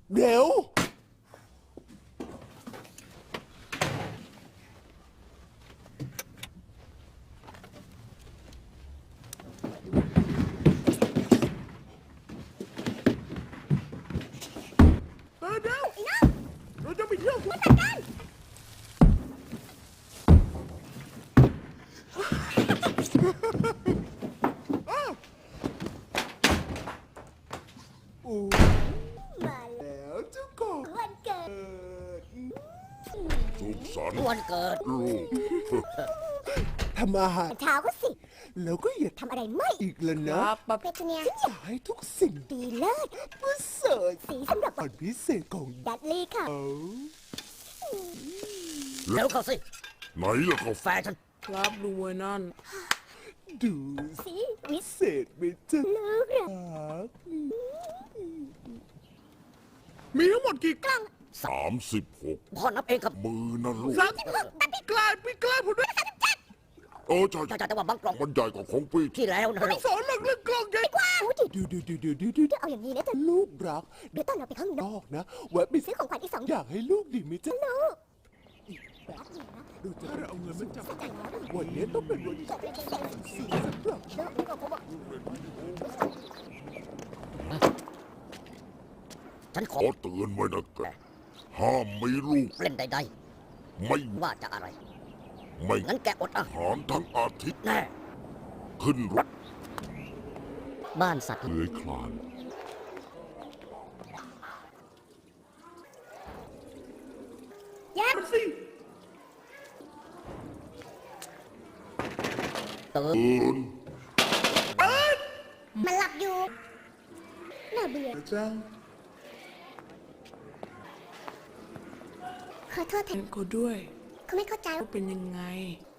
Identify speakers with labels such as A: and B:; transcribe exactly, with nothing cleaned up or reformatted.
A: เดี๋ยวเออเดี๋ยว
B: ไอ้น้อง
A: เราจะไปเที่ยว
B: มาจัดการ
A: โอ้
B: มาแล้ว
A: แล้วเจ้าของ
B: วันเกิด
C: สุขสันต์
D: วันเกิด
C: ลูก
A: ทำอาหาร
B: เช้าก็สิ
A: แล้วก็อย่าท
B: ทำอะไรไม่
A: ำอีกแล้วนะ
B: เปเทเนีย
A: ฉันอยากให้ทุกสิ่ง
B: ดีเลิศ
A: ประเสริฐ
B: สีสำหรับ
A: ตอนพิเศษของ
B: ดัดลี่ค่ะ
A: เขา
D: เร็วเข้าสิ
C: ไหนล่ะก็
D: แฟชั่น
E: ครับดูไว้นั่น
A: ดู
B: สีวิส
A: เศษไปจ้ะ
B: ลูกรัก
E: มีทั้งหมดกี่กล้อง
C: สามสิบหก
D: พ่อนับเองครับ
C: มือนั่นลูก
E: สามสิบหกแต่พี่กลายพี่กลายผมด้วย
C: เออใช่
D: ใช่ๆแต่ว่าบางกล่อง
C: มันใหญ่กว่าของพี่
D: ที่แล้วนะ
E: ไม่สอนเรื่องเรื่องกล้องใหญ่กว่า
B: พูดดิ
A: ดูดูดูดูดูดู
B: เอาอย่างนี้นะจ๊ะ
A: ลูกรัก
B: เดี๋ยวตอนเราไปข้างน
A: น
B: อก
A: อกนะแวะไป
B: ซื้อของขวัญอีกสอง
A: อยากให้ลูกดีไหมจ๊ะ
B: ลูกแป๊บนึงนะ
A: ดูจะ
E: เราเอาเงินมาจับ
B: เข้าใจแล้วลูก
A: วันนี้ต้องเป็นวัน
B: จบเลยจริงๆ
A: สีสำหรับ
B: ลูกนี่ก็ผมบอก
D: ฉันข
C: ข
D: อ
C: อเตือนไว้นะแกห้ามมีลูก
D: เล่นใด
C: ไม่
D: ๆว่าจะอะไร
C: ไม่
D: งั้นแกอดอาหาร
C: หารทั้งอาทิตย์
D: แน่
C: ขึ้นรถ
D: บ้านสัตว์
C: เลื้อยคลาน
B: ยัก
E: มันสิ
D: ตื่น
C: เอิน
B: มันหลับอยู่ น่าเบื่อ
E: จัง
B: ขอโทษแทน
E: เขาด้วย
B: เขาไม่เข้าใจ
E: ว่าเป็นยังไง